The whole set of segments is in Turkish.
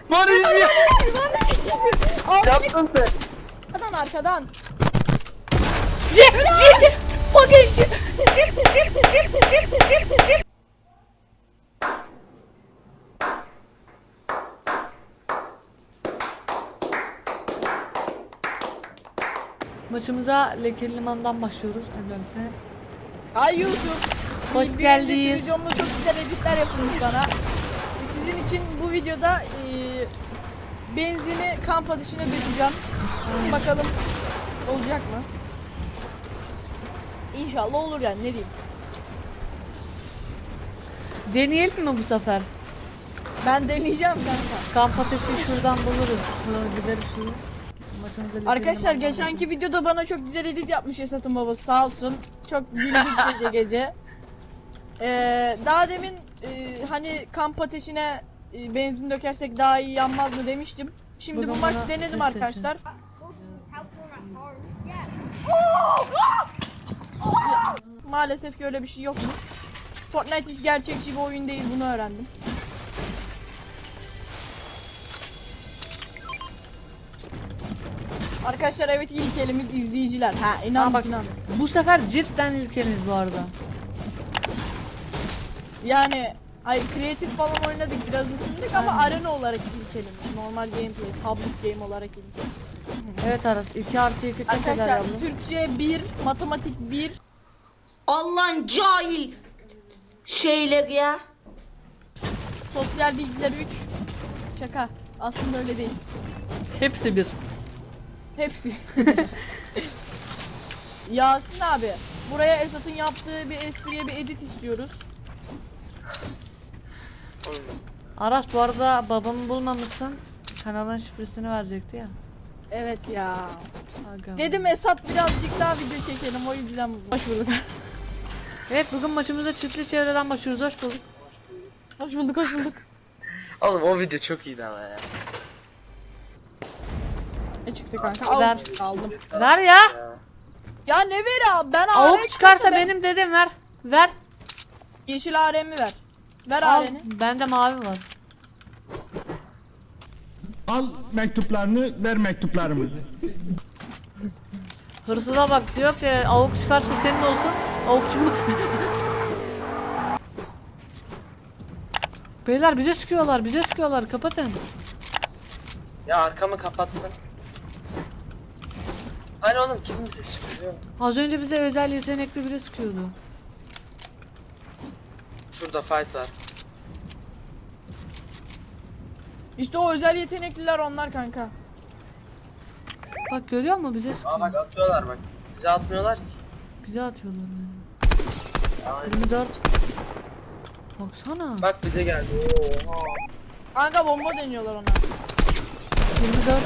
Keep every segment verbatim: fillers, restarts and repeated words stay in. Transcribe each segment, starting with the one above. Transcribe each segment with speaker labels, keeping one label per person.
Speaker 1: Bana izliyor.
Speaker 2: Yaptın sen.
Speaker 3: Arkadan arkadan.
Speaker 4: Zip zip fucking zip zip zip zip zip zip zip. Maçımıza Lekeli Liman'dan başlıyoruz öncelikle.
Speaker 3: Ay YouTube.
Speaker 4: Hoş
Speaker 3: Bir- bir
Speaker 4: geldiniz.
Speaker 3: önceki videomda çok güzel editler yapılmış bana. Sizin için bu videoda e, benzini kamp ateşine dökeceğim. Bakalım olacak mı? İnşallah olur yani, ne diyeyim.
Speaker 4: Deneyelim mi bu sefer?
Speaker 3: Ben deneyeceğim kanka.
Speaker 4: Kamp ateşi şuradan buluruz. Sonra gideriz şuraya. Maçımıza Lekeli
Speaker 3: Arkadaşlar
Speaker 4: Liman'dan
Speaker 3: geçenki videoda bana çok güzel edit yapmış Esat'ın babası, sağ olsun. Çok güldük gece gece. Ee, daha demin e, hani kamp ateşine e, benzin dökersek daha iyi yanmaz mı demiştim. Şimdi
Speaker 4: Bugün
Speaker 3: bu maç
Speaker 4: bana
Speaker 3: denedim
Speaker 4: test
Speaker 3: arkadaşlar. Maalesef ki öyle bir şey yokmuş. Fortnite hiç gerçekçi bir oyun değil, bunu öğrendim. Arkadaşlar evet, ilk elimiz izleyiciler. Ha inan
Speaker 4: Aa, bak.
Speaker 3: inan.
Speaker 4: Bu sefer cidden ilkeniz bu arada.
Speaker 3: Yani ay kreatif falan oynadık, biraz ısındık ama arena olarak ilk elimiz. Normal gameplay, public game olarak ilk elimiz.
Speaker 4: Evet Aras iki artı iki kaç eder
Speaker 3: Arkadaşlar
Speaker 4: yavrum?
Speaker 3: Türkçe bir, matematik bir,
Speaker 5: Allah'ın cahil şeyler ya.
Speaker 3: sosyal bilgiler üç. Şaka. Aslında öyle değil.
Speaker 4: Hepsi bir.
Speaker 3: Hepsi. Yasin abi, buraya Esat'ın yaptığı bir espriye bir edit istiyoruz.
Speaker 4: Aras bu arada babamı bulmamışsın. Kanalın şifresini verecekti ya.
Speaker 3: Evet ya.
Speaker 4: Aga.
Speaker 3: Dedim Esat birazcık daha video çekelim, o yüzden hoş bulduk.
Speaker 4: Evet bugün maçımıza çiftli çevreden başlıyoruz. Hoş bulduk.
Speaker 3: Hoş bulduk, hoş bulduk.
Speaker 1: Oğlum o video çok iyiydi ama ya.
Speaker 3: Ne çıktı kanka?
Speaker 4: Ver.
Speaker 3: Avuk aldım.
Speaker 4: Ver ya.
Speaker 3: Ya ne ver abi? Ben
Speaker 4: Avuk
Speaker 3: A R
Speaker 4: çıkarsa
Speaker 3: ben-
Speaker 4: benim dedim ver. Ver.
Speaker 3: Yeşil A R'mi ver. Ver
Speaker 4: Al.
Speaker 3: A R'ni.
Speaker 4: Bende mavi var.
Speaker 6: Al mektuplarını, ver mektuplarımı.
Speaker 4: Hırsıza bak diyor ki avuk çıkarsa senin olsun. Avuk çıkma. Beyler bize sıkıyorlar, bize sıkıyorlar. Kapatın.
Speaker 1: Ya arkamı kapatsın. Hani oğlum kim bize sıkıyor?
Speaker 4: Az önce bize özel yetenekli biri sıkıyordu.
Speaker 1: Şurada fight var.
Speaker 3: İşte o özel yetenekliler onlar kanka.
Speaker 4: Bak görüyor musun bize sıkıyor.
Speaker 1: Aa bak atıyorlar bak. Bize atmıyorlar ki.
Speaker 4: Bize atıyorlar yani.
Speaker 1: Aynen.
Speaker 4: yirmi dört. Baksana.
Speaker 1: Bak bize geldi. Oha.
Speaker 3: Kanka bomba deniyorlar ona.
Speaker 4: yirmi dört.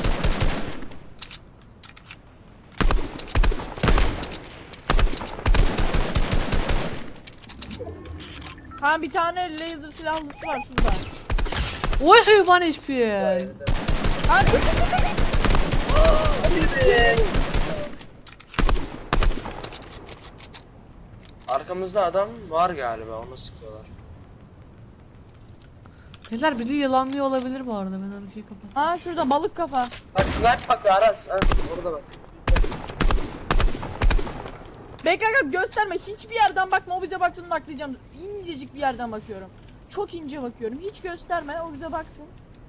Speaker 3: Ha bir tane laser silahlısı var şurada.
Speaker 4: Oy hayvan H P.
Speaker 3: Kanka
Speaker 1: Arkamızda adam var galiba, onu sıkıyorlar.
Speaker 4: Beyler biri yılanlıyor olabilir bu arada. Ben arkayı kapat.
Speaker 3: ha şurada balık kafa.
Speaker 1: Bak snipe bakıyor Aras. Ha, orada bak.
Speaker 3: Bekle kanka, gösterme, hiçbir yerden bakma, o bize baksın, naklayacağım. İncecik bir yerden bakıyorum. Çok ince bakıyorum, hiç gösterme, o bize baksın.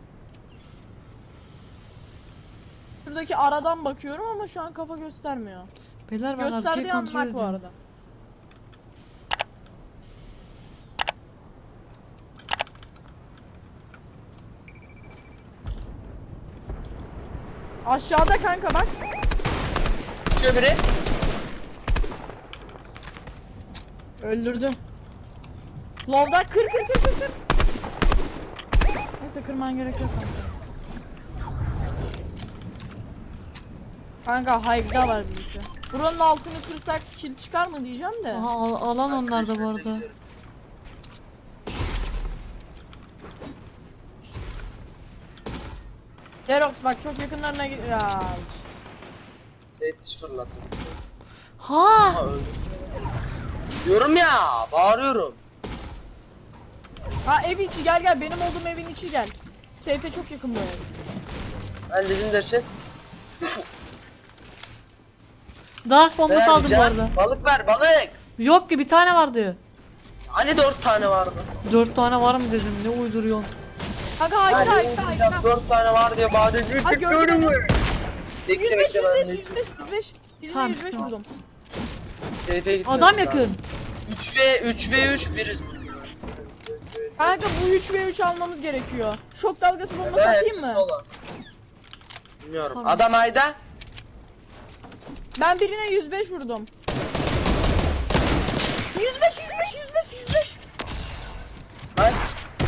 Speaker 3: Şuradaki aradan bakıyorum ama şu an kafa göstermiyor.
Speaker 4: Beyler ben arkayı
Speaker 3: Gösterdiği an
Speaker 4: kontrol
Speaker 3: nak bu
Speaker 4: ediyorum.
Speaker 3: arada. Aşağıda kanka bak.
Speaker 1: Düşüyor biri.
Speaker 3: Öldürdüm. Lovda kır kır kır kır kır. Neyse kırman gerek yok kanka. Kanka hive'da var birisi. Buranın altını kırsak kill çıkar mı diyeceğim de.
Speaker 4: Aha al- alan onlar da bu arada.
Speaker 3: Derox bak çok yakınlarına git. Ya işte.
Speaker 1: Seyit fırlattım.
Speaker 4: Ha!
Speaker 1: Ha öldü. Diyorum ya, bağırıyorum.
Speaker 3: Ha ev içi, gel gel, benim olduğum evin içi gel. Seyfe çok yakın böyle.
Speaker 1: Ben legendary.
Speaker 4: Daha bombası aldım bu arada.
Speaker 1: Balık ver balık.
Speaker 4: Yok ki bir tane vardı.
Speaker 1: Hani dört tane vardı?
Speaker 4: Dört tane var mı dedim, ne uyduruyorsun?
Speaker 3: Kanka haydi
Speaker 1: Hani
Speaker 3: haydi haydi.
Speaker 1: dört tane var diye badem
Speaker 3: Ha, gördüm
Speaker 1: mü?
Speaker 3: yüz
Speaker 1: Bekle
Speaker 3: beş
Speaker 1: bekle
Speaker 3: yüz
Speaker 1: ben
Speaker 3: beş
Speaker 1: de.
Speaker 3: yüz beş yüz beş. Birine
Speaker 4: Tamam,
Speaker 3: yüz beş
Speaker 4: tamam.
Speaker 3: vurdum.
Speaker 1: Seyfe gitmiyoruz
Speaker 4: Adam
Speaker 1: daha.
Speaker 4: yakın.
Speaker 1: üç ve üç ve üç biriz.
Speaker 3: Kanka bu üç ve üç almamız gerekiyor. Şok dalgası bombası
Speaker 1: Evet,
Speaker 3: atayım mı?
Speaker 1: sola. Bilmiyorum.
Speaker 4: Tamam.
Speaker 1: Adam ayda.
Speaker 3: Ben birine yüz beş vurdum. yüz beş yüz beş yüz beş yüz beş.
Speaker 1: Nice.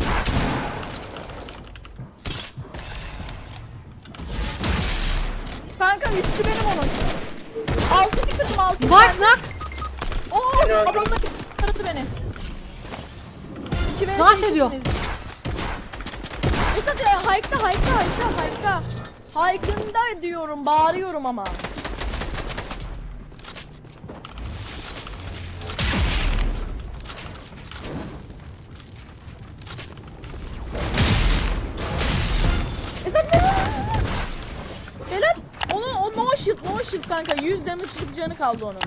Speaker 3: Kanka üstü benim onun. Altı bir kırdım altı.
Speaker 4: Bak nak.
Speaker 3: Oo
Speaker 1: Beni öldürdü.
Speaker 3: adamlar taradı beni. İki ve
Speaker 4: Dans
Speaker 3: ikisiniz.
Speaker 4: ediyor.
Speaker 3: Esat ya haykta haykta haykta haykta. Haykında diyorum bağırıyorum ama. Esat ne? Beyler onu o no shield no shield kanka yüz damage'lık canı kaldı onun.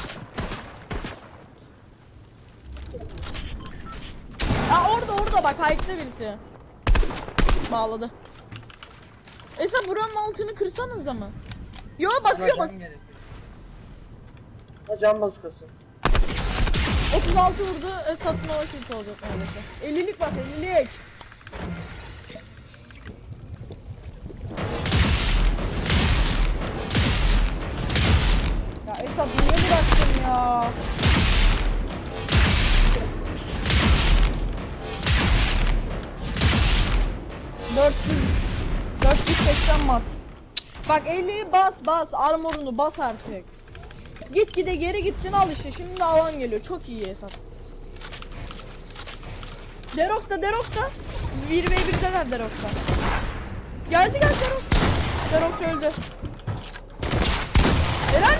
Speaker 3: Aa orada orada bak haykta birisi. Bağladı. Esat buranın altını kırsanıza mı? Yo bakıyor bak.
Speaker 1: Can gerekiyor. Ha can bazukası.
Speaker 3: otuz altı vurdu. Esat'ın o shield olacak neredeyse. ellilik bak ellilik. Ya Esat niye bıraktın ya? dört yüz dört yüz seksen mat. Bak elliyi bas bas armorunu bas artık. Git gide geri gittin al işte şimdi de alan geliyor çok iyi Esat. Derox'ta Derox'ta bir ve birdeler Derox'ta. Geldi gel Derox. Derox öldü. Helal.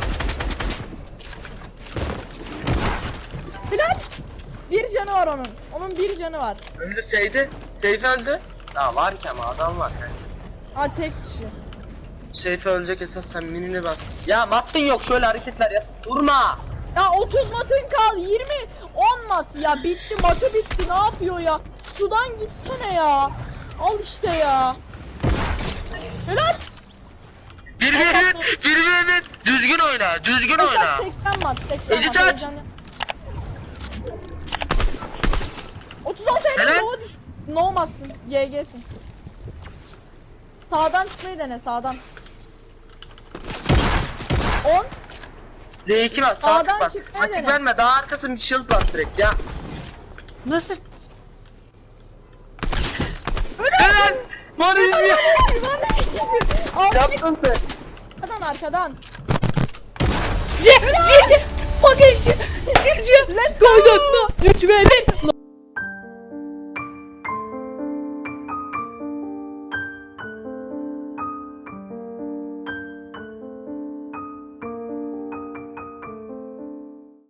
Speaker 3: Helal. Bir canı var onun. Onun bir canı var.
Speaker 1: Öldürseydi. Seyfe öldü. Ya var ki ama adam var. Yani.
Speaker 3: Ha tek kişi.
Speaker 1: Seyfe ölecek esas sen minini bas. Ya matın yok şöyle hareketler yap. Durma.
Speaker 3: Ya otuz matın kal yirmi on mat ya bitti matı bitti ne yapıyor ya sudan gitsene ya al işte ya helal
Speaker 1: Bir bir bir bir bir bir. Düzgün oyna. Düzgün oyna.
Speaker 3: Esat seksen mat seksen
Speaker 1: Edit
Speaker 3: mat
Speaker 1: aç.
Speaker 3: heyecanlı. otuz altı elli
Speaker 1: Helal.
Speaker 3: nova düş no matsın G G'sin sağdan çıkmayı dene sağdan on
Speaker 1: D iki bas sağ
Speaker 3: Sağdan
Speaker 1: tık bas.
Speaker 3: çıkmaya
Speaker 1: Açık
Speaker 3: dene.
Speaker 1: verme daha arkası bir shield bas direkt ya.
Speaker 4: Nasıl?
Speaker 1: Helal. Marizmi.
Speaker 3: Al
Speaker 1: Yaptın sen.
Speaker 3: arkadan arkadan
Speaker 4: C, C, C, fucking C, C, C,
Speaker 3: Let's go.
Speaker 4: koyduk mu? üç ve bir.